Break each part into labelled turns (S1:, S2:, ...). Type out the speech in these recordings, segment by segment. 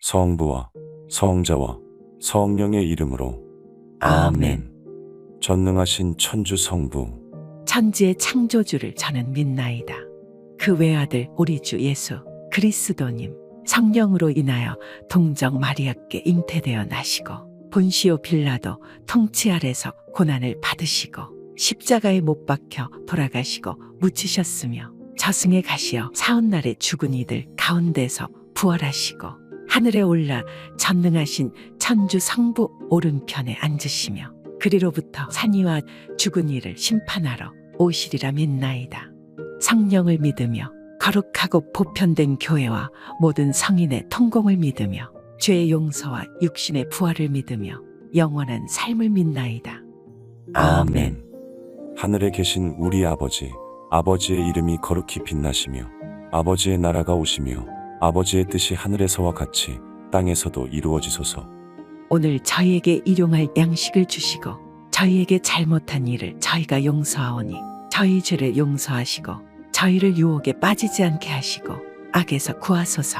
S1: 성부와 성자와 성령의 이름으로
S2: 아멘.
S1: 전능하신 천주 성부,
S2: 천지의 창조주를 저는 믿나이다. 그 외아들 우리 주 예수 그리스도님 성령으로 인하여 동정 마리아께 잉태되어 나시고 본시오 빌라도 통치 아래서 고난을 받으시고 십자가에 못 박혀 돌아가시고 묻히셨으며 저승에 가시어 사흘날에 죽은 이들 가운데서 부활하시고 하늘에 올라 전능하신 천주 성부 오른편에 앉으시며 그리로부터 산이와 죽은 이를 심판하러 오시리라 믿나이다. 성령을 믿으며 거룩하고 보편된 교회와 모든 성인의 통공을 믿으며 죄의 용서와 육신의 부활을 믿으며 영원한 삶을 믿나이다.
S1: 아멘. 하늘에 계신 우리 아버지, 아버지의 이름이 거룩히 빛나시며 아버지의 나라가 오시며 아버지의 뜻이 하늘에서와 같이 땅에서도 이루어지소서.
S2: 오늘 저희에게 일용할 양식을 주시고 저희에게 잘못한 일을 저희가 용서하오니 저희 죄를 용서하시고 저희를 유혹에 빠지지 않게 하시고 악에서 구하소서.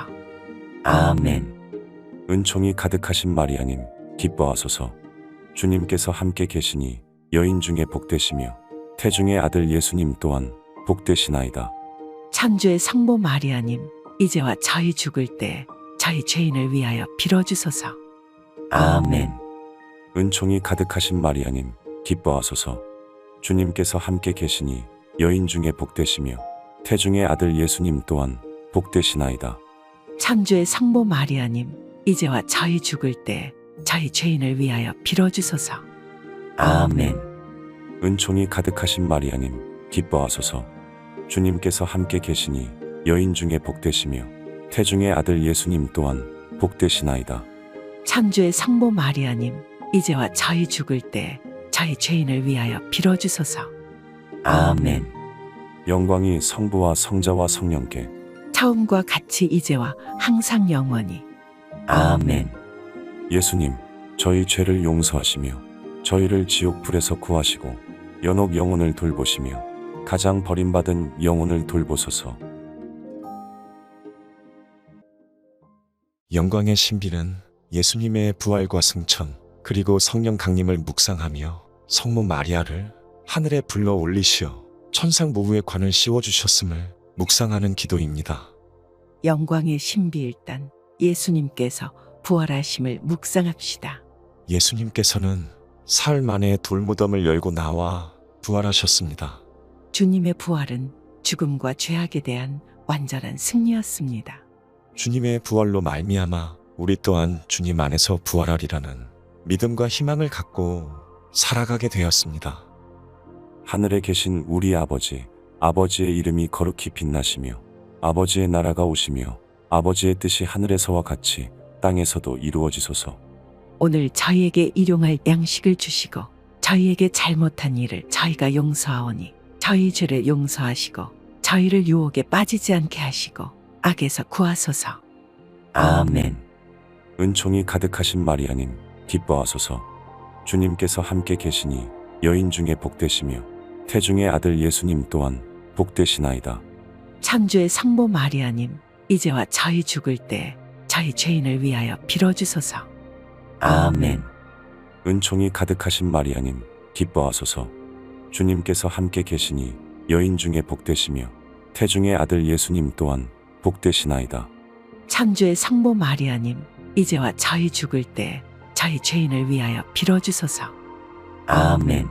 S1: 아멘. 은총이 가득하신 마리아님, 기뻐하소서. 주님께서 함께 계시니 여인 중에 복되시며 태중의 아들 예수님 또한 복되시나이다.
S2: 천주의 성모 마리아님, 이제와 저희 죽을 때 저희 죄인을 위하여 빌어주소서.
S1: 아멘. 은총이 가득하신 마리아님, 기뻐하소서. 주님께서 함께 계시니 여인 중에 복되시며 태중의 아들 예수님 또한 복되시나이다.
S2: 천주의 성모 마리아님, 이제와 저희 죽을 때 저희 죄인을 위하여 빌어주소서.
S1: 아멘. 은총이 가득하신 마리아님, 기뻐하소서. 주님께서 함께 계시니 여인 중에 복되시며 태중의 아들 예수님 또한 복되시나이다.
S2: 천주의 성모 마리아님, 이제와 저희 죽을 때 저희 죄인을 위하여 빌어주소서.
S1: 아멘. 영광이 성부와 성자와 성령께
S2: 처음과 같이 이제와 항상 영원히.
S1: 아멘. 예수님, 저희 죄를 용서하시며 저희를 지옥 불에서 구하시고 연옥 영혼을 돌보시며 가장 버림받은 영혼을 돌보소서.
S3: 영광의 신비는 예수님의 부활과 승천, 그리고 성령 강림을 묵상하며 성모 마리아를 하늘에 불러 올리시어 천상 모부의 관을 씌워주셨음을 묵상하는 기도입니다.
S2: 영광의 신비일단 예수님께서 부활하심을 묵상합시다.
S3: 예수님께서는 사흘 만에 돌무덤을 열고 나와 부활하셨습니다.
S2: 주님의 부활은 죽음과 죄악에 대한 완전한 승리였습니다.
S3: 주님의 부활로 말미암아 우리 또한 주님 안에서 부활하리라는 믿음과 희망을 갖고 살아가게 되었습니다.
S1: 하늘에 계신 우리 아버지, 아버지의 이름이 거룩히 빛나시며 아버지의 나라가 오시며 아버지의 뜻이 하늘에서와 같이 땅에서도 이루어지소서.
S2: 오늘 저희에게 일용할 양식을 주시고 저희에게 잘못한 일을 저희가 용서하오니 저희 죄를 용서하시고 저희를 유혹에 빠지지 않게 하시고 악에서 구하소서.
S1: 아멘. 은총이 가득하신 마리아님, 기뻐하소서. 주님께서 함께 계시니 여인 중에 복되시며 태중의 아들 예수님 또한 복되시나이다.
S2: 천주의 성모 마리아님, 이제와 저희 죽을 때 저희 죄인을 위하여 빌어주소서.
S1: 아멘. 은총이 가득하신 마리아님, 기뻐하소서. 주님께서 함께 계시니 여인 중에 복되시며 태중의 아들 예수님 또한 복되시나이다.
S2: 천주의 성모 마리아님, 이제와 저희 죽을 때 저희 죄인을 위하여 빌어주소서.
S1: 아멘.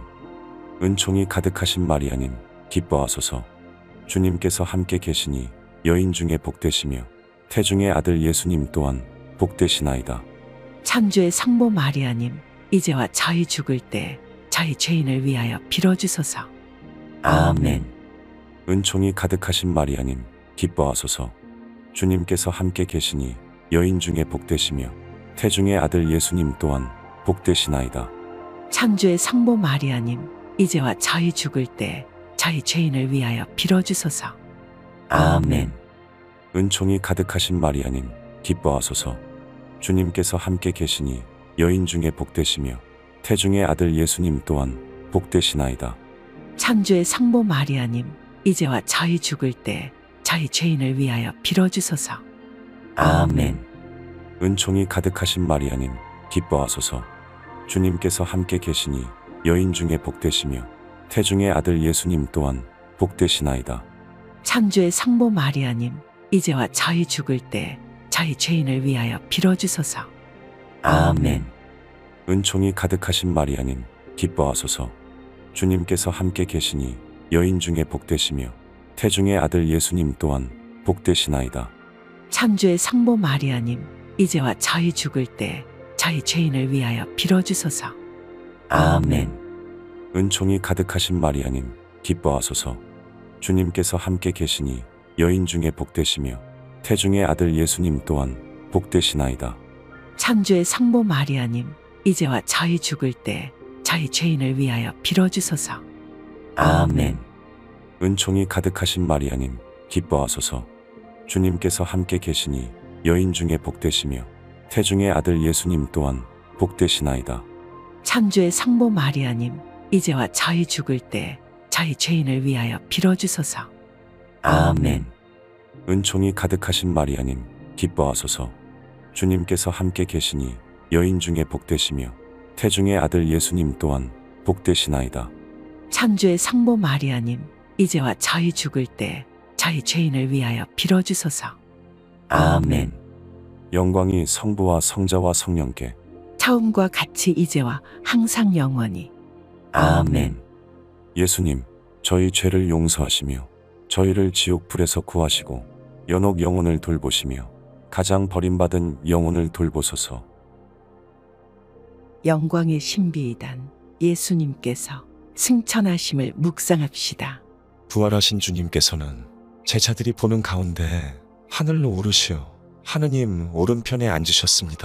S1: 은총이 가득하신 마리아님, 기뻐하소서. 주님께서 함께 계시니 여인 중에 복되시며 태중의 아들 예수님 또한 복되시나이다.
S2: 천주의 성모 마리아님, 이제와 저희 죽을 때 저희 죄인을 위하여 빌어주소서.
S1: 아멘. 은총이 가득하신 마리아님, 기뻐하소서. 주님께서 함께 계시니 여인 중에 복되시며 태중의 아들 예수님 또한 복되시나이다.
S2: 천주의 성모 마리아님, 이제와 저희 죽을 때 저희 죄인을 위하여 빌어주소서.
S1: 아멘. 은총이 가득하신 마리아님, 기뻐하소서. 주님께서 함께 계시니 여인 중에 복되시며 태중의 아들 예수님 또한 복되시나이다.
S2: 천주의 성모 마리아님, 이제와 저희 죽을 때 저희 죄인을 위하여 빌어주소서.
S1: 아멘. 은총이 가득하신 마리아님 기뻐하소서. 주님께서 함께 계시니 여인 중에 복되시며 태중의 아들 예수님 또한 복되시나이다.
S2: 천주의 성모 마리아님, 이제와 저희 죽을 때 저희 죄인을 위하여 빌어주소서.
S1: 아멘. 은총이 가득하신 마리아님 기뻐하소서. 주님께서 함께 계시니 여인 중에 복되시며 태중의 아들 예수님 또한 복되시나이다.
S2: 천주의 성모 마리아님, 이제와 저희 죽을 때 저희 죄인을 위하여 빌어주소서.
S1: 아멘. 은총이 가득하신 마리아님 기뻐하소서. 주님께서 함께 계시니 여인 중에 복되시며 태중의 아들 예수님 또한 복되시나이다.
S2: 천주의 성모 마리아님, 이제와 저희 죽을 때 저희 죄인을 위하여 빌어주소서.
S1: 아멘. 은총이 가득하신 마리아님 기뻐하소서. 주님께서 함께 계시니 여인 중에 복되시며 태중의 아들 예수님 또한 복되시나이다.
S2: 천주의 성모 마리아님, 이제와 저희 죽을 때 저희 죄인을 위하여 빌어주소서.
S1: 아멘. 은총이 가득하신 마리아님 기뻐하소서. 주님께서 함께 계시니 여인 중에 복되시며 태중의 아들 예수님 또한 복되시나이다.
S2: 천주의 성모 마리아님, 이제와 저희 죽을 때 저희 죄인을 위하여 빌어주소서.
S1: 아멘. 영광이 성부와 성자와 성령께
S2: 처음과 같이 이제와 항상 영원히.
S1: 아멘. 예수님, 저희 죄를 용서하시며 저희를 지옥 불에서 구하시고 연옥 영혼을 돌보시며 가장 버림받은 영혼을 돌보소서.
S2: 영광의 신비이단 예수님께서 승천하심을 묵상합시다.
S3: 부활하신 주님께서는 제자들이 보는 가운데 하늘로 오르시어 하느님 오른편에 앉으셨습니다.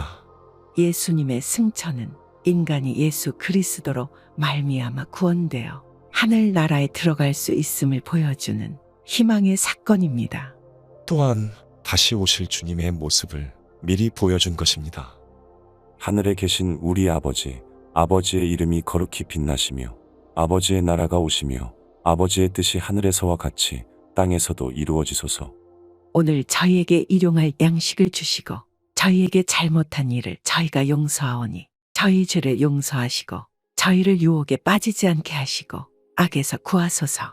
S2: 예수님의 승천은 인간이 예수 그리스도로 말미암아 구원되어 하늘나라에 들어갈 수 있음을 보여주는 희망의 사건입니다.
S3: 또한 다시 오실 주님의 모습을 미리 보여준 것입니다.
S1: 하늘에 계신 우리 아버지, 아버지의 이름이 거룩히 빛나시며 아버지의 나라가 오시며 아버지의 뜻이 하늘에서와 같이 땅에서도 이루어지소서.
S2: 오늘 저희에게 일용할 양식을 주시고 저희에게 잘못한 일을 저희가 용서하오니 저희 죄를 용서하시고 저희를 유혹에 빠지지 않게 하시고 악에서 구하소서.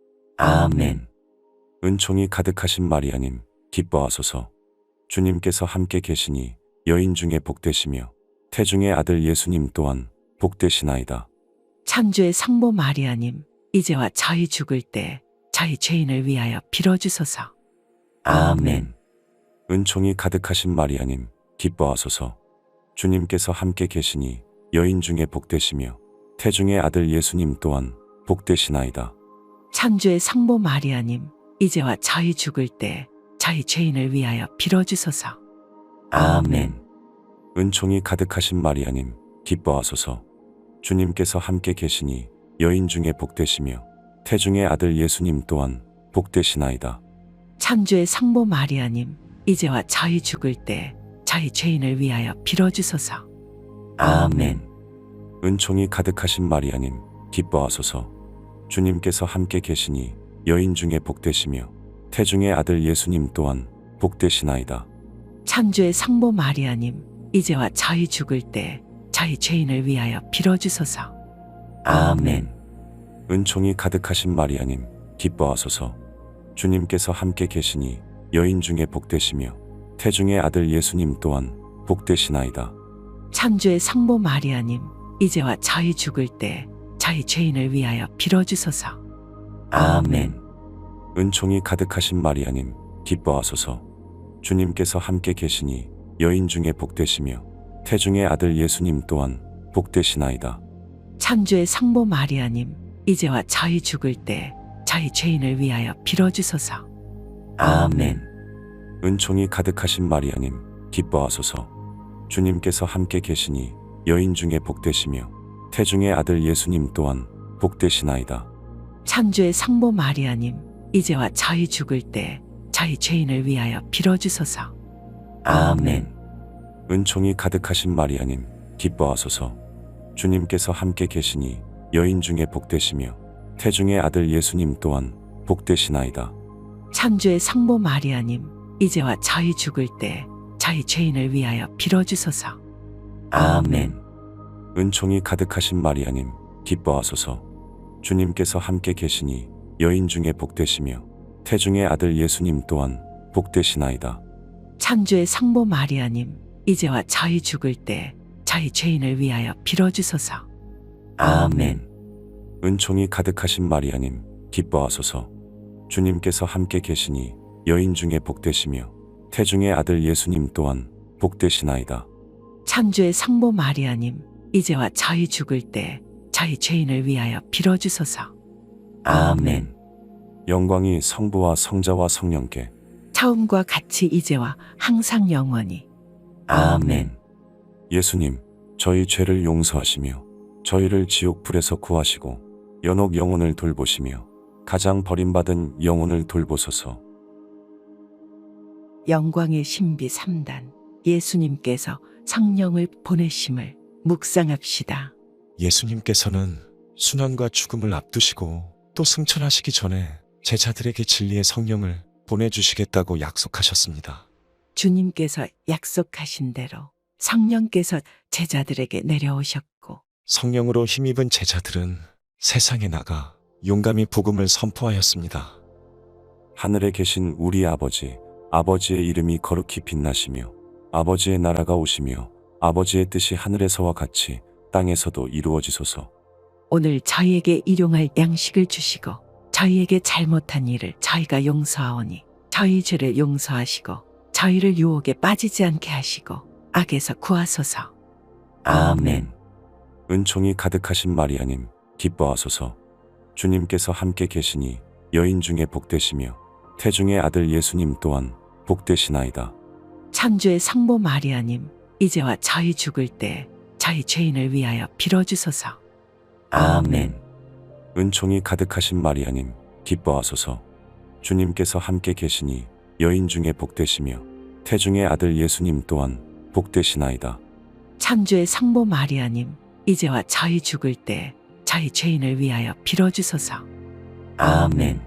S1: 아멘. 은총이 가득하신 마리아님 기뻐하소서. 주님께서 함께 계시니 여인 중에 복되시며 태중의 아들 예수님 또한 복되시나이다.
S2: 천주의 성모 마리아님, 이제와 저희 죽을 때 저희 죄인을 위하여 빌어주소서.
S1: 아멘. 은총이 가득하신 마리아님 기뻐하소서. 주님께서 함께 계시니 여인 중에 복되시며 태중의 아들 예수님 또한 복되시나이다.
S2: 천주의 성모 마리아님, 이제와 저희 죽을 때 저희 죄인을 위하여 빌어주소서.
S1: 아멘. 은총이 가득하신 마리아님 기뻐하소서. 주님께서 함께 계시니 여인 중에 복되시며 태중의 아들 예수님 또한 복되시나이다.
S2: 천주의 성모 마리아님, 이제와 저희 죽을 때 저희 죄인을 위하여 빌어주소서.
S1: 아멘. 은총이 가득하신 마리아님 기뻐하소서. 주님께서 함께 계시니 여인 중에 복되시며 태중의 아들 예수님 또한 복되시나이다.
S2: 천주의 성모 마리아님, 이제와 저희 죽을 때 저희 죄인을 위하여 빌어주소서.
S1: 아멘. 은총이 가득하신 마리아님 기뻐하소서. 주님께서 함께 계시니 여인 중에 복되시며 태중의 아들 예수님 또한 복되시나이다.
S2: 천주의 성모 마리아님, 이제와 저희 죽을 때 저희 죄인을 위하여 빌어주소서.
S1: 아멘. 은총이 가득하신 마리아님 기뻐하소서. 주님께서 함께 계시니 여인 중에 복되시며 태중의 아들 예수님 또한 복되시나이다.
S2: 천주의 성모 마리아님, 이제와 저희 죽을 때 저희 죄인을 위하여 빌어주소서.
S1: 아멘. 은총이 가득하신 마리아님 기뻐하소서. 주님께서 함께 계시니 여인 중에 복되시며 태중의 아들 예수님 또한 복되시나이다.
S2: 천주의 성모 마리아님, 이제와 저희 죽을 때 저희 죄인을 위하여 빌어주소서.
S1: 아멘. 은총이 가득하신 마리아님 기뻐하소서. 주님께서 함께 계시니 여인 중에 복되시며 태중의 아들 예수님 또한 복되시나이다.
S2: 천주의 성모 마리아님, 이제와 저희 죽을 때 저희 죄인을 위하여 빌어주소서.
S1: 아멘. 은총이 가득하신 마리아님, 기뻐하소서. 주님께서 함께 계시니 여인 중에 복되시며 태중의 아들 예수님 또한 복되시나이다.
S2: 천주의 성모 마리아님, 이제와 저희 죽을 때 저희 죄인을 위하여 빌어주소서.
S1: 아멘. 은총이 가득하신 마리아님, 기뻐하소서. 주님께서 함께 계시니 여인 중에 복되시며 태중의 아들 예수님 또한 복되시나이다.
S2: 천주의 성모 마리아님, 이제와 저희 죽을 때 저희 죄인을 위하여 빌어주소서.
S1: 아멘. 영광이 성부와 성자와 성령께
S2: 처음과 같이 이제와 항상 영원히.
S1: 아멘. 예수님, 저희 죄를 용서하시며 저희를 지옥 불에서 구하시고 연옥 영혼을 돌보시며 가장 버림받은 영혼을 돌보소서.
S2: 영광의 신비 3단, 예수님께서 성령을 보내심을 묵상합시다.
S3: 예수님께서는 순환과 죽음을 앞두시고 또 승천하시기 전에 제자들에게 진리의 성령을 보내주시겠다고 약속하셨습니다.
S2: 주님께서 약속하신 대로 성령께서 제자들에게 내려오셨고
S3: 성령으로 힘입은 제자들은 세상에 나가 용감히 복음을 선포하였습니다.
S1: 하늘에 계신 우리 아버지, 아버지의 이름이 거룩히 빛나시며 아버지의 나라가 오시며 아버지의 뜻이 하늘에서와 같이 땅에서도 이루어지소서.
S2: 오늘 저희에게 일용할 양식을 주시고 저희에게 잘못한 일을 저희가 용서하오니 저희 죄를 용서하시고 저희를 유혹에 빠지지 않게 하시고 악에서 구하소서.
S1: 아멘. 은총이 가득하신 마리아님, 기뻐하소서. 주님께서 함께 계시니 여인 중에 복되시며 태중의 아들 예수님 또한 복되시나이다.
S2: 천주의 성모 마리아님, 이제와 저희 죽을 때 저희 죄인을 위하여 빌어주소서.
S1: 아멘. 은총이 가득하신 마리아님, 기뻐하소서. 주님께서 함께 계시니 여인 중에 복되시며 태중의 아들 예수님 또한 복되시나이다.
S2: 천주의 성모 마리아님, 이제와 저희 죽을 때 저희 죄인을 위하여 빌어주소서.
S1: 아멘.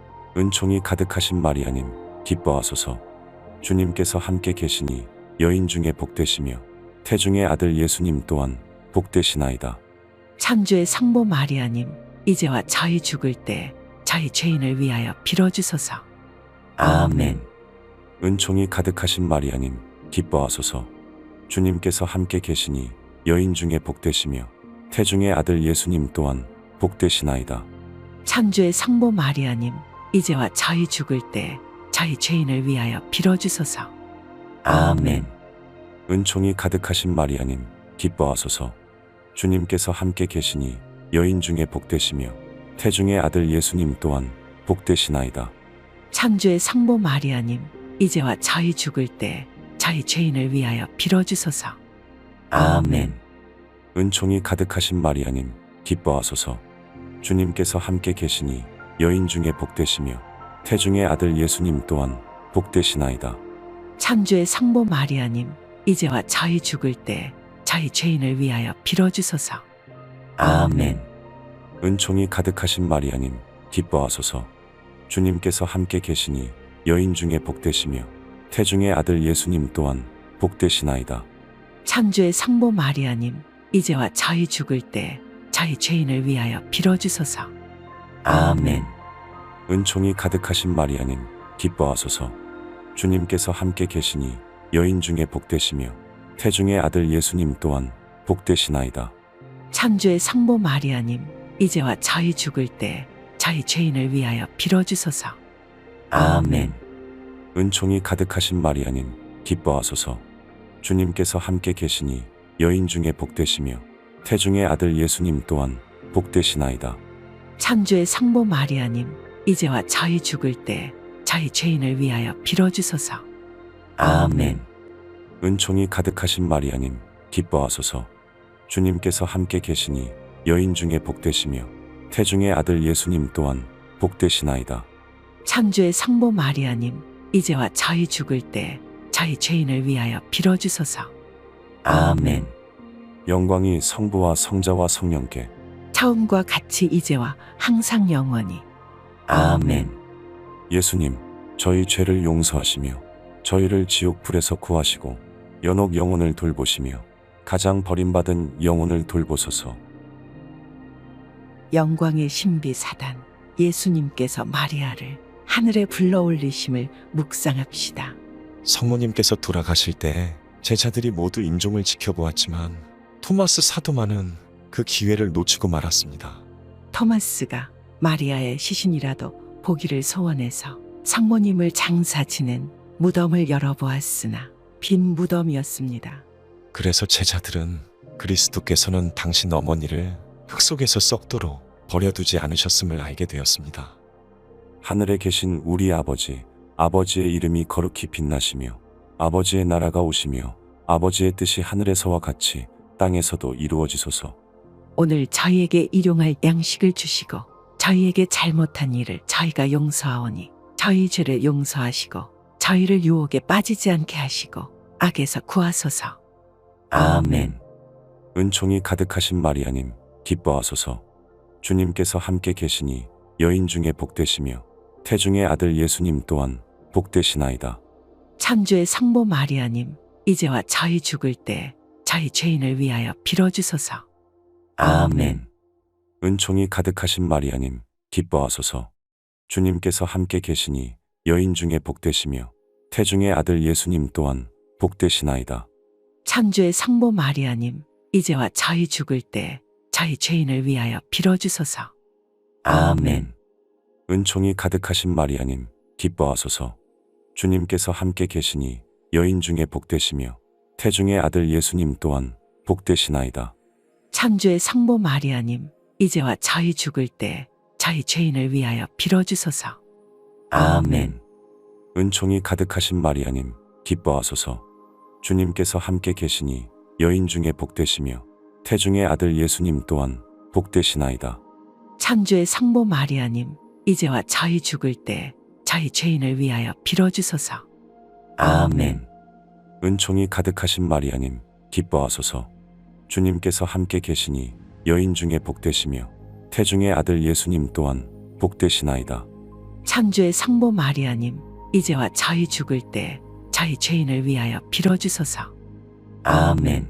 S1: 은총이 가득하신 마리아님, 기뻐하소서. 주님께서 함께 계시니 여인 중에 복되시며 태중의 아들 예수님 또한 복되시나이다.
S2: 천주의 성모 마리아님, 이제와 저희 죽을 때 저희 죄인을 위하여 빌어주소서.
S1: 아멘. 은총이 가득하신 마리아님, 기뻐하소서. 주님께서 함께 계시니 여인 중에 복되시며 태중의 아들 예수님 또한 복되시나이다.
S2: 천주의 성모 마리아님, 이제와 저희 죽을 때 저희 죄인을 위하여 빌어주소서.
S1: 아멘. 은총이 가득하신 마리아님, 기뻐하소서. 주님께서 함께 계시니 여인 중에 복되시며 태중의 아들 예수님 또한 복되시나이다.
S2: 천주의 성모 마리아님, 이제와 저희 죽을 때 저희 죄인을 위하여 빌어주소서.
S1: 아멘. 은총이 가득하신 마리아님, 기뻐하소서. 주님께서 함께 계시니 여인 중에 복되시며 태중의 아들 예수님 또한 복되시나이다.
S2: 천주의 성모 마리아님, 이제와 저희 죽을 때 저희 죄인을 위하여 빌어주소서.
S1: 아멘. 은총이 가득하신 마리아님, 기뻐하소서. 주님께서 함께 계시니 여인 중에 복되시며 태중의 아들 예수님 또한 복되시나이다.
S2: 천주의 성모 마리아님, 이제와 저희 죽을 때 저희 죄인을 위하여 빌어주소서.
S1: 아멘. 은총이 가득하신 마리아님, 기뻐하소서. 주님께서 함께 계시니 여인 중에 복되시며 태중의 아들 예수님 또한 복되시나이다.
S2: 천주의 성모 마리아님, 이제와 저희 죽을 때 저희 죄인을 위하여 빌어주소서.
S1: 아멘. 은총이 가득하신 마리아님, 기뻐하소서. 주님께서 함께 계시니 여인 중에 복되시며 태중의 아들 예수님 또한 복되시나이다.
S2: 천주의 성모 마리아님, 이제와 저희 죽을 때 저희 죄인을 위하여 빌어주소서.
S1: 아멘. 은총이 가득하신 마리아님, 기뻐하소서. 주님께서 함께 계시니 여인 중에 복되시며 태중의 아들 예수님 또한 복되시나이다.
S2: 천주의 성모 마리아님, 이제와 저희 죽을 때 저희 죄인을 위하여 빌어주소서.
S1: 아멘. 영광이 성부와 성자와 성령께
S2: 처음과 같이 이제와 항상 영원히.
S1: 아멘. 예수님, 저희 죄를 용서하시며 저희를 지옥 불에서 구하시고 연옥 영혼을 돌보시며 가장 버림받은 영혼을 돌보소서.
S2: 영광의 신비 사단 예수님께서 마리아를 하늘에 불러 올리심을 묵상합시다.
S3: 성모님께서 돌아가실 때 제자들이 모두 임종을 지켜보았지만 토마스 사도만은 그 기회를 놓치고 말았습니다.
S2: 토마스가 마리아의 시신이라도 보기를 소원해서 성모님을 장사 지낸 무덤을 열어보았으나 빈 무덤이었습니다.
S3: 그래서 제자들은 그리스도께서는 당신 어머니를 흙 속에서 썩도록 버려두지 않으셨음을 알게 되었습니다.
S1: 하늘에 계신 우리 아버지, 아버지의 이름이 거룩히 빛나시며 아버지의 나라가 오시며 아버지의 뜻이 하늘에서와 같이 땅에서도 이루어지소서.
S2: 오늘 저희에게 일용할 양식을 주시고 저희에게 잘못한 일을 저희가 용서하오니 저희 죄를 용서하시고 저희를 유혹에 빠지지 않게 하시고 악에서 구하소서.
S1: 아멘. 은총이 가득하신 마리아님, 기뻐하소서. 주님께서 함께 계시니 여인 중에 복되시며 태중의 아들 예수님 또한 복되시나이다.
S2: 천주의 성모 마리아님, 이제와 저희 죽을 때 저희 죄인을 위하여 빌어주소서.
S1: 아멘. 은총이 가득하신 마리아님, 기뻐하소서. 주님께서 함께 계시니 여인 중에 복되시며 태중의 아들 예수님 또한 복되시나이다.
S2: 천주의 성모 마리아님, 이제와 저희 죽을 때 저희 죄인을 위하여 빌어주소서.
S1: 아멘. 은총이 가득하신 마리아님, 기뻐하소서. 주님께서 함께 계시니 여인 중에 복되시며 태중의 아들 예수님 또한 복되시나이다.
S2: 천주의 성모 마리아님, 이제와 저희 죽을 때 저희 죄인을 위하여 빌어주소서.
S1: 아멘. 은총이 가득하신 마리아님, 기뻐하소서. 주님께서 함께 계시니 여인 중에 복되시며 태중의 아들 예수님 또한 복되시나이다.
S2: 천주의 성모 마리아님, 이제와 저희 죽을 때 저희 죄인을 위하여 빌어주소서.
S1: 아멘. 은총이 가득하신 마리아님, 기뻐하소서. 주님께서 함께 계시니 여인 중에 복되시며 태중의 아들 예수님 또한 복되시나이다.
S2: 천주의 성모 마리아님, 이제와 저희 죽을 때 저희 죄인을 위하여 빌어주소서.
S1: 아멘.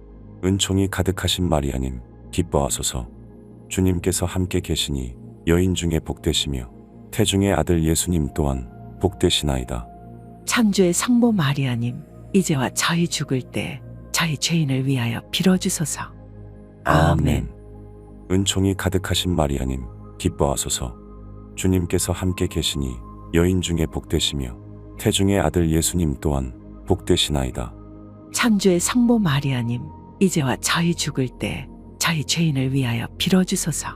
S1: 은총이 가득하신 마리아님, 기뻐하소서. 주님께서 함께 계시니 여인 중에 복되시며 태중의 아들 예수님 또한 복되시나이다.
S2: 천주의 성모 마리아님, 이제와 저희 죽을 때 저희 죄인을 위하여 빌어주소서.
S1: 아멘. 은총이 가득하신 마리아님, 기뻐하소서. 주님께서 함께 계시니 여인 중에 복되시며 태중의 아들 예수님 또한 복되시나이다.
S2: 천주의 성모 마리아님, 이제와 저희 죽을 때 저희 죄인을 위하여 빌어주소서.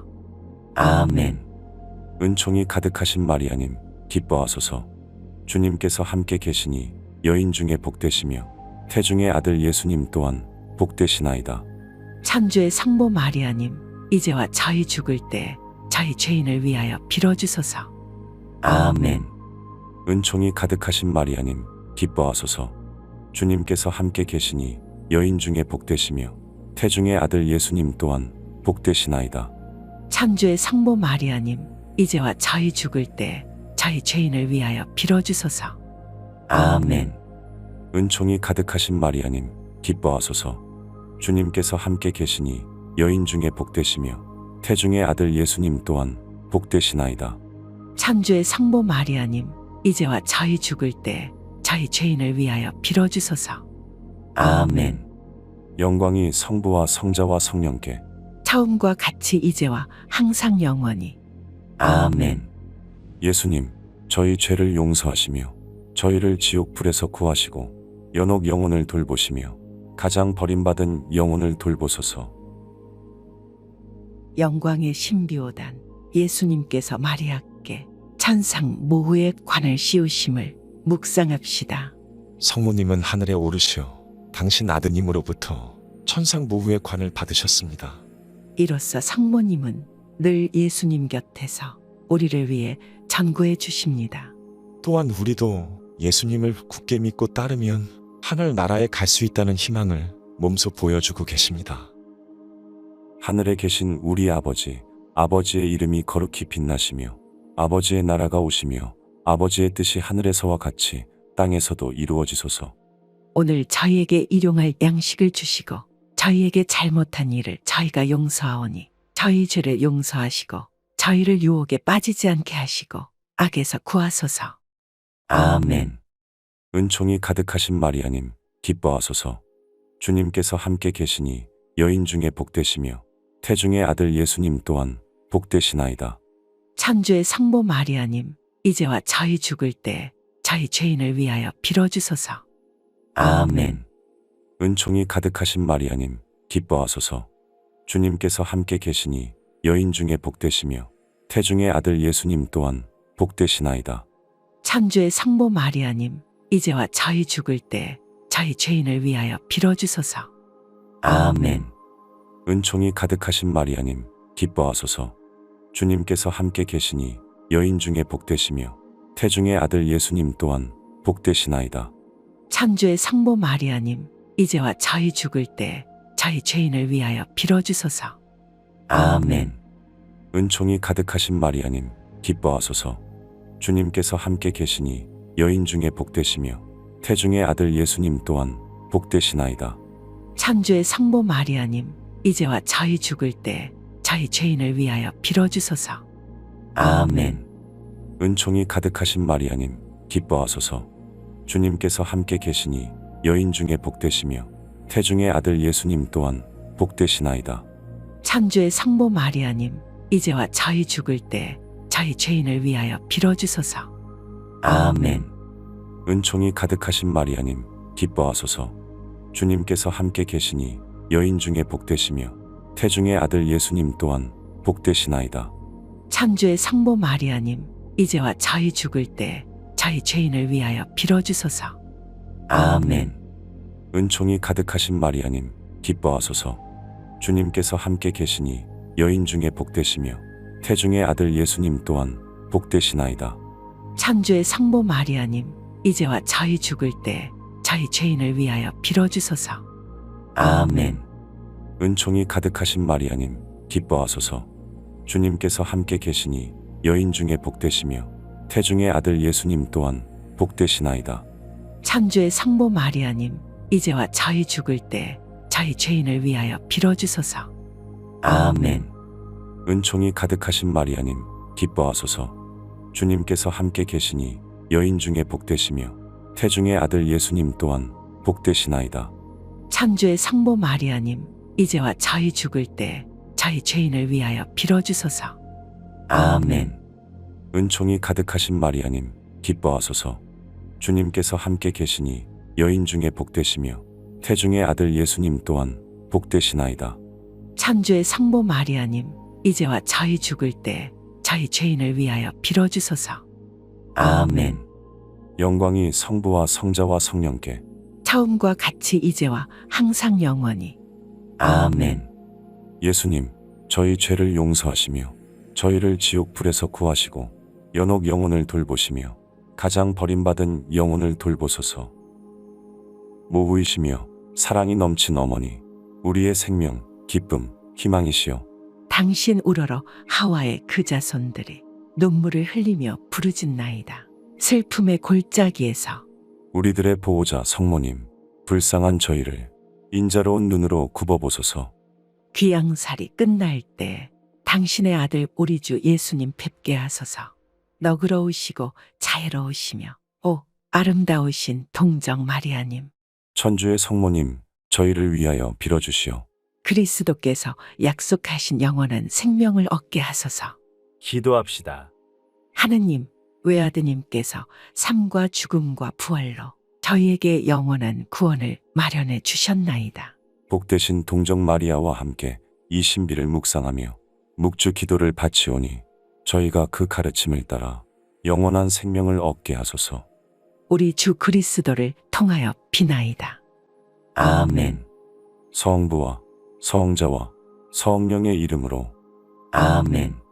S1: 아멘. 은총이 가득하신 마리아님, 기뻐하소서. 주님께서 함께 계시니 여인 중에 복되시며 태중의 아들 예수님 또한 복되시나이다.
S2: 천주의 성모 마리아님, 이제와 저희 죽을 때 저희 죄인을 위하여 빌어주소서.
S1: 아멘. 은총이 가득하신 마리아님, 기뻐하소서. 주님께서 함께 계시니 여인 중에 복되시며 태중의 아들 예수님 또한 복되시나이다.
S2: 천주의 성모 마리아님, 이제와 저희 죽을 때 저희 죄인을 위하여 빌어주소서.
S1: 아멘. 은총이 가득하신 마리아님, 기뻐하소서. 주님께서 함께 계시니 여인 중에 복되시며 태중의 아들 예수님 또한 복되시나이다.
S2: 천주의 성모 마리아님, 이제와 저희 죽을 때 저희 죄인을 위하여 빌어주소서.
S1: 아멘. 영광이 성부와 성자와 성령께
S2: 처음과 같이 이제와 항상 영원히.
S1: 아멘. 예수님, 저희 죄를 용서하시며 저희를 지옥 불에서 구하시고 연옥 영혼을 돌보시며 가장 버림받은 영혼을 돌보소서.
S2: 영광의 신비오단 예수님께서 마리아께 천상 모후의 관을 씌우심을 묵상합시다.
S3: 성모님은 하늘에 오르시어 당신 아드님으로부터 천상 모후의 관을 받으셨습니다.
S2: 이로써 성모님은 늘 예수님 곁에서 우리를 위해 전구해 주십니다.
S3: 또한 우리도 예수님을 굳게 믿고 따르면 하늘 나라에 갈 수 있다는 희망을 몸소 보여주고 계십니다.
S1: 하늘에 계신 우리 아버지, 아버지의 이름이 거룩히 빛나시며 아버지의 나라가 오시며 아버지의 뜻이 하늘에서와 같이 땅에서도 이루어지소서.
S2: 오늘 저희에게 일용할 양식을 주시고 저희에게 잘못한 일을 저희가 용서하오니 저희 죄를 용서하시고 저희를 유혹에 빠지지 않게 하시고 악에서 구하소서.
S1: 아멘. 은총이 가득하신 마리아님, 기뻐하소서. 주님께서 함께 계시니 여인 중에 복되시며 태중의 아들 예수님 또한 복되시나이다.
S2: 천주의 성모 마리아님, 이제와 저희 죽을 때 저희 죄인을 위하여 빌어주소서.
S1: 아멘. 은총이 가득하신 마리아님, 기뻐하소서. 주님께서 함께 계시니 여인 중에 복되시며 태중의 아들 예수님 또한 복되시나이다.
S2: 천주의 성모 마리아님, 이제와 저희 죽을 때 저희 죄인을 위하여 빌어주소서.
S1: 아멘. 은총이 가득하신 마리아님, 기뻐하소서. 주님께서 함께 계시니 여인 중에 복되시며 태중의 아들 예수님 또한 복되시나이다.
S2: 천주의 성모 마리아님, 이제와 저희 죽을 때 저희 죄인을 위하여 빌어주소서.
S1: 아멘. 은총이 가득하신 마리아님, 기뻐하소서. 주님께서 함께 계시니 여인 중에 복되시며 태중의 아들 예수님 또한 복되시나이다.
S2: 천주의 성모 마리아님, 이제와 저희 죽을 때 저희 죄인을 위하여 빌어주소서.
S1: 아멘. 은총이 가득하신 마리아님, 기뻐하소서. 주님께서 함께 계시니 여인 중에 복되시며 태중의 아들 예수님 또한 복되시나이다.
S2: 천주의 성모 마리아님, 이제와 저희 죽을 때 저희 죄인을 위하여 빌어주소서.
S1: 아멘. 은총이 가득하신 마리아님, 기뻐하소서. 주님께서 함께 계시니 여인 중에 복되시며 태중의 아들 예수님 또한 복되시나이다.
S2: 천주의 성모 마리아님, 이제와 저희 죽을 때 저희 죄인을 위하여 빌어주소서.
S1: 아멘. 은총이 가득하신 마리아님, 기뻐하소서. 주님께서 함께 계시니 여인 중에 복되시며 태중의 아들 예수님 또한 복되시나이다.
S2: 천주의 성모 마리아님, 이제와 저희 죽을 때 저희 죄인을 위하여 빌어주소서.
S1: 아멘. 은총이 가득하신 마리아님, 기뻐하소서. 주님께서 함께 계시니 여인 중에 복되시며 태중의 아들 예수님 또한 복되시나이다.
S2: 천주의 성모 마리아님, 이제와 저희 죽을 때 저희 죄인을 위하여 빌어주소서.
S1: 아멘. 은총이 가득하신 마리아님, 기뻐하소서. 주님께서 함께 계시니 여인 중에 복되시며 태중의 아들 예수님 또한 복되시나이다.
S2: 천주의 성모 마리아님, 이제와 저희 죽을 때 저희 죄인을 위하여 빌어주소서.
S1: 아멘. 은총이 가득하신 마리아님, 기뻐하소서. 주님께서 함께 계시니 여인 중에 복되시며 태중의 아들 예수님 또한 복되시나이다.
S2: 천주의 성모 마리아님, 이제와 저희 죽을 때 저희 죄인을 위하여 빌어주소서.
S1: 아멘. 영광이 성부와 성자와 성령께
S2: 처음과 같이 이제와 항상 영원히.
S1: 아멘. 예수님, 저희 죄를 용서하시며 저희를 지옥 불에서 구하시고 연옥 영혼을 돌보시며 가장 버림받은 영혼을 돌보소서. 모부이시며 사랑이 넘친 어머니, 우리의 생명, 기쁨, 희망이시여.
S2: 당신 우러러 하와의 그 자손들이 눈물을 흘리며 부르짖나이다. 슬픔의 골짜기에서
S1: 우리들의 보호자 성모님, 불쌍한 저희를 인자로운 눈으로 굽어보소서.
S2: 귀양살이 끝날 때 당신의 아들 우리 주 예수님 뵙게 하소서. 너그러우시고 자애로우시며 오 아름다우신 동정 마리아님,
S1: 천주의 성모님, 저희를 위하여 빌어주시오.
S2: 그리스도께서 약속하신 영원한 생명을 얻게 하소서.
S4: 기도합시다.
S2: 하느님, 외아드님께서 삶과 죽음과 부활로 저희에게 영원한 구원을 마련해 주셨나이다.
S1: 복되신 동정 마리아와 함께 이 신비를 묵상하며 묵주 기도를 바치오니 저희가 그 가르침을 따라 영원한 생명을 얻게 하소서.
S2: 우리 주 그리스도를 통하여 비나이다.
S1: 아멘. 성부와 성자와 성령의 이름으로 아멘.